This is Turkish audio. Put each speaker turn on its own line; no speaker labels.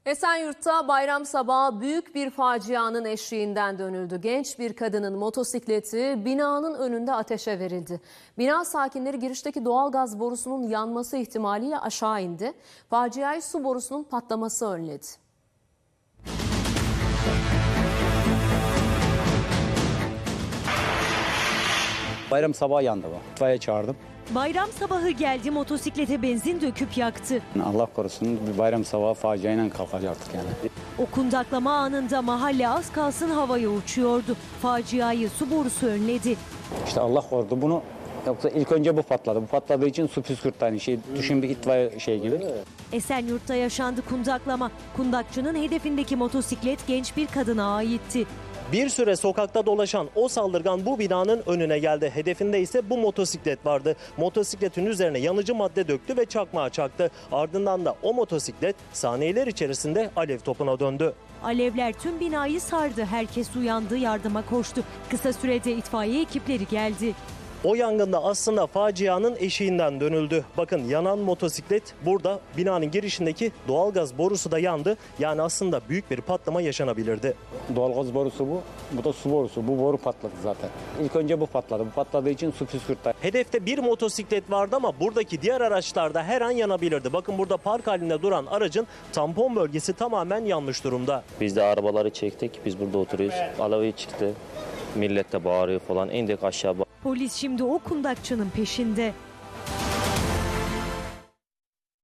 Esenyurt'ta bayram sabahı büyük bir facianın eşiğinden dönüldü. Genç bir kadının motosikleti binanın önünde ateşe verildi. Bina sakinleri girişteki doğalgaz borusunun yanması ihtimaliyle aşağı indi. Faciayı su borusunun patlaması önledi.
Bayram sabahı yandı bu. İtfaiye çağırdım.
Bayram sabahı geldi, motosiklete benzin döküp yaktı.
Allah korusun bir bayram sabahı faciayla kalkacaktık yani.
O kundaklama anında mahalle az kalsın havaya uçuyordu. Faciayı su borusu önledi.
İşte Allah korudu bunu. Yoksa ilk önce bu patladı. Bu patladığı için su püskürttü. Hani düşün bir itfaiye gibi.
Esenyurt'ta yaşandı kundaklama. Kundakçının hedefindeki motosiklet genç bir kadına aitti.
Bir süre sokakta dolaşan o saldırgan bu binanın önüne geldi. Hedefinde ise bu motosiklet vardı. Motosikletin üzerine yanıcı madde döktü ve çakmağı çaktı. Ardından da o motosiklet saniyeler içerisinde alev topuna döndü.
Alevler tüm binayı sardı. Herkes uyandı, yardıma koştu. Kısa sürede itfaiye ekipleri geldi.
O yangında aslında facianın eşiğinden dönüldü. Bakın yanan motosiklet burada, binanın girişindeki doğalgaz borusu da yandı. Yani aslında büyük bir patlama yaşanabilirdi.
Doğalgaz borusu bu. Bu da su borusu. Bu boru patladı zaten. İlk önce bu patladı. Bu patladığı için su püskürttü.
Hedefte bir motosiklet vardı ama buradaki diğer araçlar da her an yanabilirdi. Bakın burada park halinde duran aracın tampon bölgesi tamamen yanmış durumda.
Biz de arabaları çektik. Biz burada oturuyoruz. Alevi çıktı. Millet de bağırıyor falan. İndik aşağı.
Polis şimdi o kundakçının peşinde.